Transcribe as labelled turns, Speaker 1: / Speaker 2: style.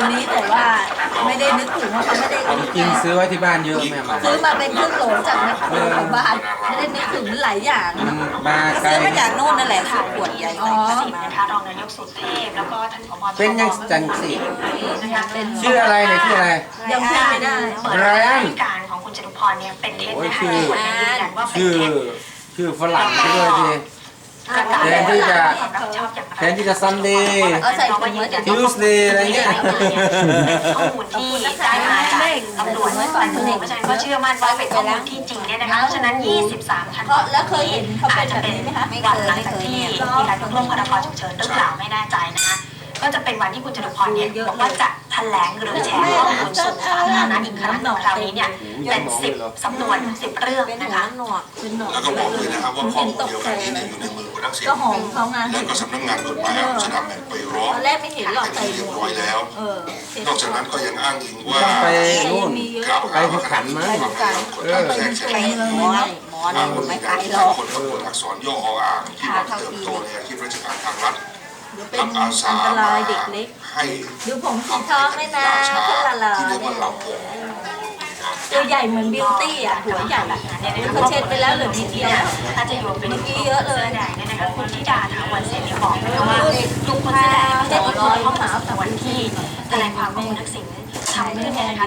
Speaker 1: นี้แต่ว่าไม่ได้นึกถึงว่าเขาไม่ได้
Speaker 2: จริงซื้อไว้ที่บ้านเยอะแม่มา
Speaker 1: ซื้อมาเป็นครึ่งโหลจากแมคโครของบ้านไม่ได้นึกถึงหลายอย่าง
Speaker 2: มาไกล
Speaker 1: ซื้อมาจากโน่นนั่นแหละขวดใหญ่อ๋อ
Speaker 3: นะคะรองนายกสุเทพแล้วก็ท่านผบ.
Speaker 2: เป็นยังจังสิชื่ออะไรเนี่ยชื่ออะไร
Speaker 1: ยังพูดไม่ได้
Speaker 3: เปิดรายการของคุณจตุพรเนี่ยเป็นเท็จนะคะ
Speaker 2: โอ้ย
Speaker 3: คนยืนยันว่าเป็น
Speaker 2: ชื่อ
Speaker 3: เท็จ
Speaker 2: ชื่อฝรั่งไปด้วยที แทนที่จะ แทนที่จะซันเดย์
Speaker 1: เอาใส่ถุงไว้
Speaker 2: ทิวสเดย์อะไรเงี้ย
Speaker 3: ข้อมูลที่ได้มาจากตำรวจเพราะฉะนั้นก็เชื่อมั่นว่าเป็นข้อมูลที่จริงเนี่ยนะคะเพราะฉะนั้น 23 ธันวาคม
Speaker 1: แล้วเคยเห็นเขาเป็
Speaker 3: อาน จจะ
Speaker 1: แบบ
Speaker 3: เป็น
Speaker 1: นี้ไหมคะ
Speaker 3: วันหลังจากที่มีการยกเลิกพรกฉุกเฉินหรือเปล่าไม่แน่ใจนะคะก็จะเป็นวันที่คุณจตุพรเนี่ยบอกว่าจะแถลงหรือแชร์ข้อมูลสู่สาธารณะอีกครั้งหนึ่งคราวนี้เนี่ยเป็น10 สำนวน10 เรื่อง
Speaker 1: เป็น
Speaker 3: นะ
Speaker 1: หัว
Speaker 3: คะ
Speaker 1: หนวกเป็นหนวก
Speaker 4: แล้วก็บอกเลยนะครับว่าข้อมูลเดียวกันนี้จะอยู่ในมือคุณทักษิณ
Speaker 1: ก็หอมเขาไง
Speaker 4: แล้วก็สำนักงานกฎหมายอาชญากรรมไปร้อ
Speaker 1: ต
Speaker 4: ง
Speaker 1: อนแรกไม่เห็นหรอก
Speaker 4: เป็น
Speaker 1: ใส่
Speaker 4: ที่
Speaker 1: หม
Speaker 4: เรียว บ
Speaker 1: ก
Speaker 4: ร้อยแล้ว
Speaker 1: เออน
Speaker 4: อกจากนั้นก็ยังอ้างอิงว่า
Speaker 2: ต้องไปนู่น
Speaker 4: กล่าว
Speaker 2: ไป
Speaker 4: หา
Speaker 2: ที่
Speaker 4: ว่า
Speaker 2: ขันมั้ง
Speaker 4: ความพยายามกดดันแทรกแซง
Speaker 1: หมอนี่ไม่ไกลหรอก
Speaker 4: คนกับคนอักษรย่ออ่างที่มาเติบโตในอาชีพราชการทางรัฐ
Speaker 1: เดี๋ยวเป็น
Speaker 4: รับอาสา
Speaker 1: อันต
Speaker 4: มาร
Speaker 1: ายเด็กเล็ก
Speaker 4: ให้
Speaker 1: ดูผมสีทองเลยนะขึ้นละลา
Speaker 4: ที่เรียกว่าเหล่าผม
Speaker 1: ตัวใหญ่เหมือนบิวตี้อ่ะหัวใหญ่เขาเช็ดไปแล้วเหลือนิดเดียว
Speaker 3: ถ้าจะอยู่เป็น
Speaker 1: เมื่อกี้เยอะเลย
Speaker 3: แดงเนี่ยนะคะคุณธิดาถาวรเสนีบอกนะคะว่าลุงพลแสดงไม่ได้ลดลงข้อมูลสำนวนที่แถลงความว่าคุณทักษิณทำขึ้นเนี่ยนะคะ